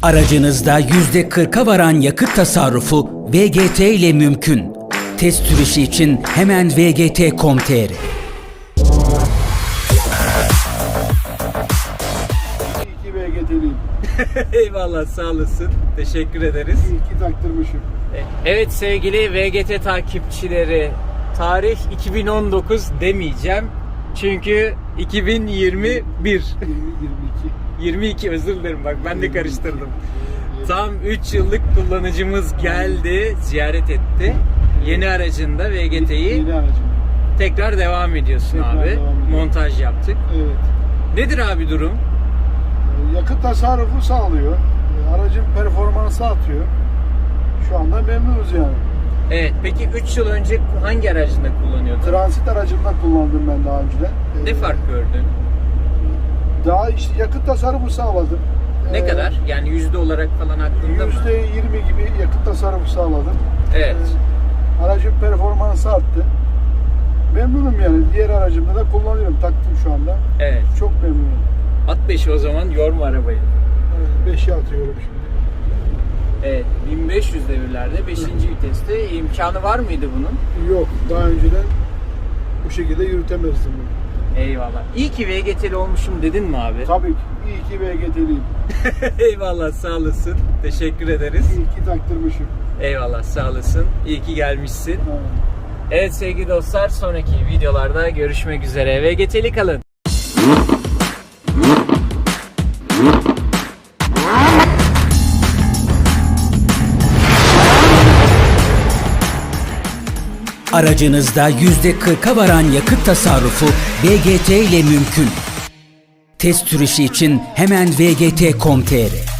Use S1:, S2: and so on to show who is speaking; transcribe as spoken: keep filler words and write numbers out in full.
S1: Aracınızda yüzde kırka varan yakıt tasarrufu V G T ile mümkün. Test sürüşü için hemen v g t nokta com nokta t r.
S2: İyi ki V G T'liyim.
S3: Eyvallah, sağ olasın. Teşekkür ederiz.
S2: İyi ki taktırmışım.
S3: Evet sevgili V G T takipçileri, tarih iki bin on dokuz demeyeceğim. Çünkü iki bin yirmi bir.
S2: yirmi yirmi iki.
S3: yirmi iki, özür dilerim, bak ben de karıştırdım. Tam üç yıllık kullanıcımız geldi, ziyaret etti. Yeni aracında V G T'yi
S2: Yeni aracım.
S3: tekrar devam ediyorsun
S2: Tekrar
S3: abi.
S2: devam ediyorum.
S3: Montaj yaptık.
S2: Evet.
S3: Nedir abi durum?
S2: Yakıt tasarrufu sağlıyor. Aracın performansı artıyor. Şu anda memnunuz yani.
S3: Evet, peki üç yıl önce hangi aracında kullanıyordun?
S2: Transit aracımda kullandım ben daha önceden.
S3: Ne
S2: Ee,
S3: fark gördün?
S2: Daha işte yakıt tasarrufu sağladım.
S3: Ne
S2: Ee,
S3: kadar? Yani yüzde olarak falan aklında mı?
S2: yüzde yirmi gibi yakıt tasarrufu sağladım.
S3: Evet.
S2: Ee, aracın performansı arttı. Memnunum yani. Diğer aracımda da kullanıyorum. Taktım şu anda.
S3: Evet.
S2: Çok memnunum.
S3: At beşi o zaman, yorma arabayı.
S2: beşe atıyorum şimdi.
S3: Evet, bin beş yüz devirlerde beşinci viteste imkanı var mıydı bunun?
S2: Yok. Daha önceden bu şekilde yürütemezdim bunu.
S3: Eyvallah. İyi ki V G T'li olmuşum dedin mi abi?
S2: Tabii ki. İyi ki V G T'liyim.
S3: Eyvallah, sağ olasın. Teşekkür ederiz.
S2: İyi ki taktırmışım.
S3: Eyvallah, sağ olasın. İyi ki gelmişsin.
S2: Ha.
S3: Evet sevgili dostlar, sonraki videolarda görüşmek üzere. V G T'li kalın.
S1: Aracınızda yüzde kırka varan yakıt tasarrufu V G T ile mümkün. Test sürüşü için hemen v g t nokta com nokta t r.